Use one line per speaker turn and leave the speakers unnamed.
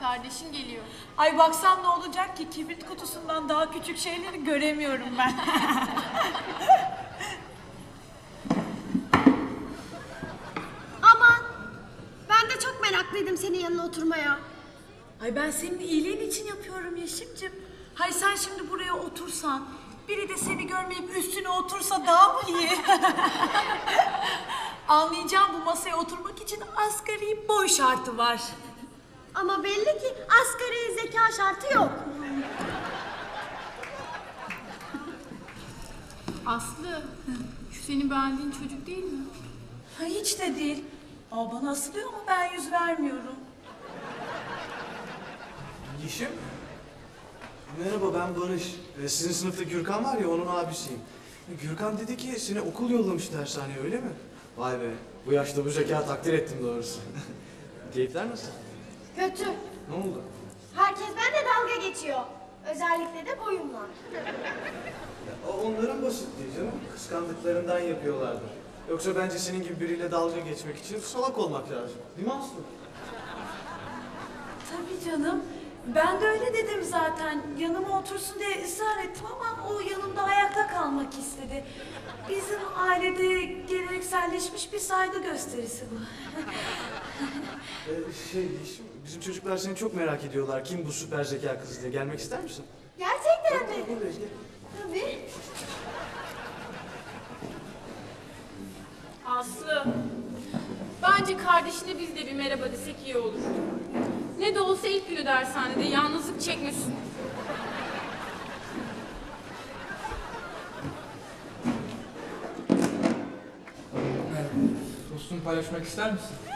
kardeşin geliyor.
Ay baksam ne olacak ki, kibrit kutusundan daha küçük şeyleri göremiyorum ben.
Aman! Ben de çok meraklıydım senin yanına oturmaya.
Ay ben senin iyiliğin için yapıyorum Yeşim'cim. Hay sen şimdi buraya otursan, biri de seni görmeyip üstüne otursa daha mı iyi? Anlayacağım, bu masaya oturmak için asgari boy şartı var.
Ama belli ki asgari zeka şartı yok.
Aslı, şu senin beğendiğin çocuk değil mi?
Ha, hiç de değil. Aa, bana asılıyor ama ben yüz vermiyorum.
Yeşim. Merhaba, ben Barış. Sizin sınıfta Gürkan var ya, onun abisiyim. Gürkan dedi ki seni okul yollamış dershaneye, öyle mi? Vay be, bu yaşta bu zeka takdir ettim doğrusu. Keyifler nasıl?
Kötü.
Ne oldu?
Herkes bende dalga geçiyor. Özellikle de boyumla.
Ya, onların basitliği canım. Kıskandıklarından yapıyorlardır. Yoksa bence senin gibi biriyle dalga geçmek için salak olmak lazım. Değil mi Aslı?
Tabii canım. Ben de öyle dedim zaten. Yanıma otursun diye ısrar ettim ama o yanımda ayakta kalmak istedi. Bizim ailede gelenekselleşmiş bir saygı gösterisi bu.
Yeşim, bizim çocuklar seni çok merak ediyorlar. Kim bu süper zeka kızı diye. Gelmek ister misin?
Gerçekten mi?
Buradayız, gel.
Tabii.
Aslı, bence kardeşine biz de bir merhaba desek iyi olur. Ne de olsa ilk günü dershanede yalnızlık çekmesin.
Merhaba. Tostunu paylaşmak ister misin?